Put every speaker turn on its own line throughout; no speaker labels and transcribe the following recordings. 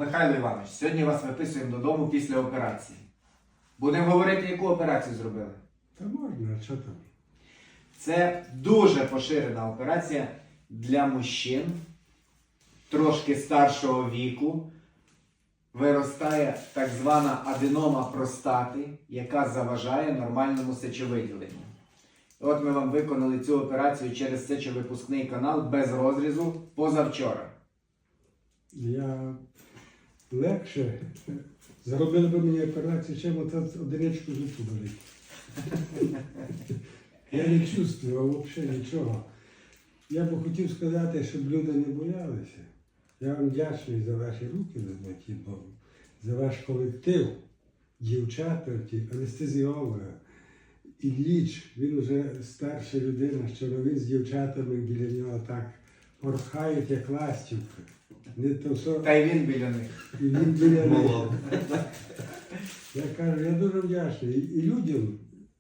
Михайло Іванович, сьогодні вас виписуємо додому після операції. Будемо говорити, яку операцію зробили.
Та можна, а що там?
Це дуже поширена операція для мужчин трошки старшого віку. Виростає так звана аденома простати, яка заважає нормальному сечовиділенню. От ми вам виконали цю операцію через сечовипускний канал без розрізу позавчора.
Я легше зробили б мені операцію, чим оце одиничку зубу болить. Я не чувствував взагалі нічого. Я б хотів сказати, щоб люди не боялися. Я вам вдячний за ваші руки, золоті Богу, за ваш колектив, дівчата, анестезіолога. Ілліч, він вже старша людина, що він з дівчатами біля нього так порхають, як ластівка. Не то, що...
Та й він біля них.
І він біля них. Я кажу, я дуже вдячний. І людям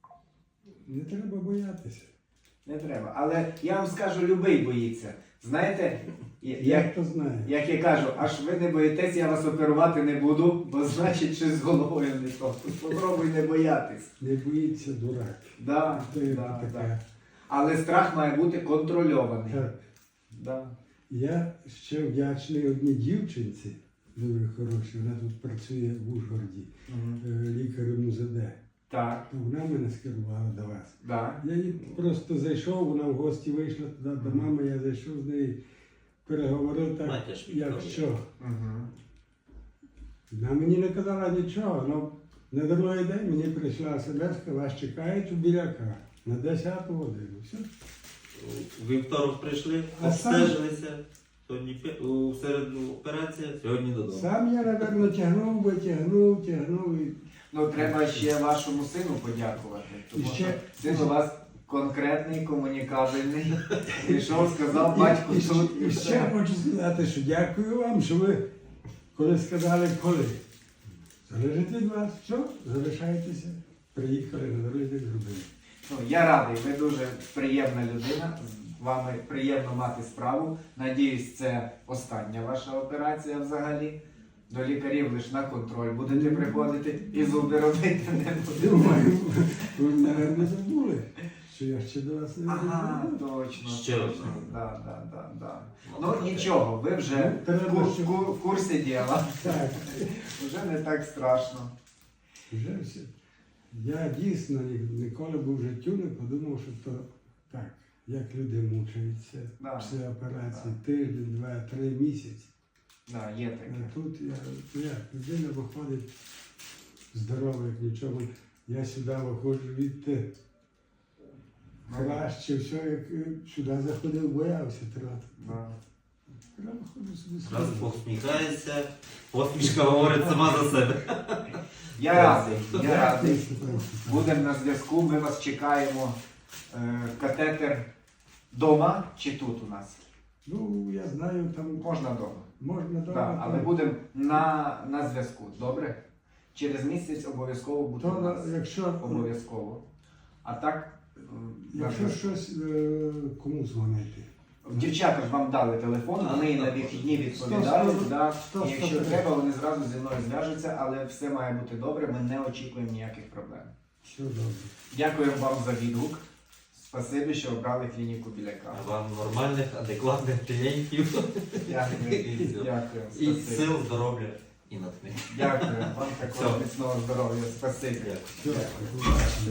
не треба боятися.
Не треба. Але я вам скажу, любий боїться. Знаєте,
Як то знає.
як я кажу, аж ви не боїтесь, я вас оперувати не буду, бо значить, щось з головою не то. Попробуй не боятись.
Не боїться дурак.
Да,
То є
да,
таке.
да. Але страх має бути контрольований.
Так.
Да.
Я ще вдячний одній дівчинці, дуже хорошій, вона тут працює в Ужгороді, лікарем УЗД.
Так,
Вона мене скерувала до вас.
да.
Я їй просто зайшов, вона в гості вийшла туди до мами, я зайшов з нею, переговорив так,
Матір
як
Вікторія.
що.
Угу.
Вона мені не казала нічого, але на другий день мені прийшла смс, вас чекають у Біляка на 10 годину. Все.
У вівторок прийшли,
А сам-
обстежилися, сьогодні у середу операція, сьогодні додому.
Сам я, напевно, тягнув. І...
Ну, треба ще вашому сину подякувати. Тому
І ще-
що син у вас конкретний, комунікабельний. Прийшов, сказав, батько тут.
І ще хочу сказати, що дякую вам, що ви, коли сказали, коли. Залежить від вас. Що? Залишайтеся. Приїхали на дорозі, зробили.
Ну, я радий, ви дуже приємна людина, з вами приємно мати справу. Надіюсь, це остання ваша операція взагалі. До лікарів лише на контроль будете приходити і зуби робити не будете.
Думаю, ви, мабуть, забули, що я ще до вас не
Ага,
забув.
точно.
Ще раз.
точно. Да. Ну нічого, ви вже
Ну, треба,
в курсі діла.
Так,
Вже не так страшно.
вже все. Я дійсно ніколи б в життю не подумав, що то так, як люди мучаються
Да.
після операції, тиждень, 2-3 місяці.
Да, є таке.
А тут людина виходить здорова, як нічого. Я сюди виходжу від краще, все, як сюди заходив, боявся трохи.
Да.
Я виходжу собі
Раз
сюди.
посміхається, посмішка говорить сама за себе.
Я радий, я радий.
Степан.
Будемо на зв'язку, ми вас чекаємо. Катетер вдома чи тут у нас?
Ну, я знаю, там
Можна вдома.
можна
Да,
добре.
але будемо на зв'язку, добре? Через місяць обов'язково буде у
То,
нас.
якщо,
Обов'язково. А так, на
якщо
зв'язку.
щось, кому дзвонити?
Дівчата ж вам дали телефон, вони і на вихідні відповідають. Да. І якщо треба, вони зразу зі мною зв'яжуться, але все має бути добре, ми не очікуємо ніяких проблем.
Все добре.
Дякуємо вам за відгук. Спасибі, що обрали клініку Біляка.
А вам нормальних, адекватних клієнтів.
Дякую. Дякую.
І
Спасибі.
сил, здоров'я і натхнення.
Дякую. Вам також
Все.
міцного здоров'я. Спасибі.
Дякую.
Все.